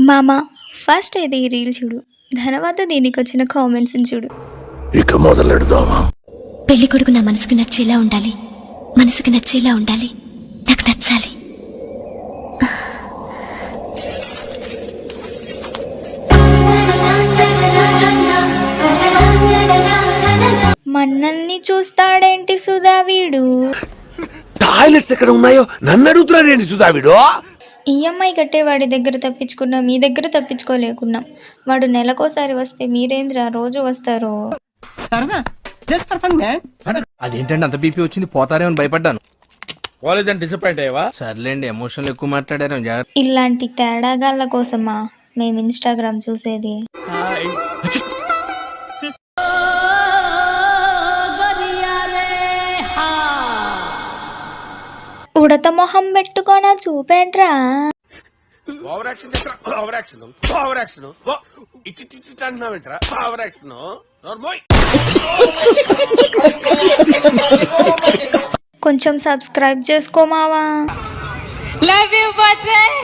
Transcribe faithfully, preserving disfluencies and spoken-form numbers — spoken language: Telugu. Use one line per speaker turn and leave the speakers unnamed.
మామ ఫస్ట్ అయితే ఈ రీల్ చూడు, తర్వాత దీనికి వచ్చిన కామెంట్స్ చూడు.
ఇక మొదలెడదామా?
పెళ్లి కొడుకు నా మనసుకు నచ్చేలా ఉండాలి, మనసుకు నచ్చేలా ఉండాలి, నాకు నచ్చాలి.
మన్నల్ని చూస్తాడేంటి సుధా వీడు?
టాయిలెట్స్ ఎక్కడ ఉన్నాయో నన్ను అడుగుతున్నాడు ఏంటి సుధావిడు?
ఈఎంఐ కట్టే వాడి దగ్గర తప్పించుకున్నా, మీ దగ్గర తప్పించుకోలేకున్నాం. వాడు నెలకోసారి వస్తే మీరేంద్రా రోజు వస్తారు?
అదేంటండి అంత బీపీ వచ్చింది, పోతారేమో భయపడ్డాను.
కాలేజ్ డిసప్పాయింట్ అయ్యావా?
సర్లేండి, ఎమోషన్లు ఎక్కువ మాట్లాడారు. జాగ్రత్త.
ఇలాంటి తేడాగాళ్ళ కోసమా మేము ఇన్స్టాగ్రామ్ చూసేది? ఉడత మొహం పెట్టుకోనా చూపేంట్రా?
Over action over action over action ఇటు ఇటు అంటున్నావేంట్రా? ఓవర్ యాక్షన్
కొంచెం సబ్స్క్రైబ్ చేసుకోమావా?
Love you బచ్చే.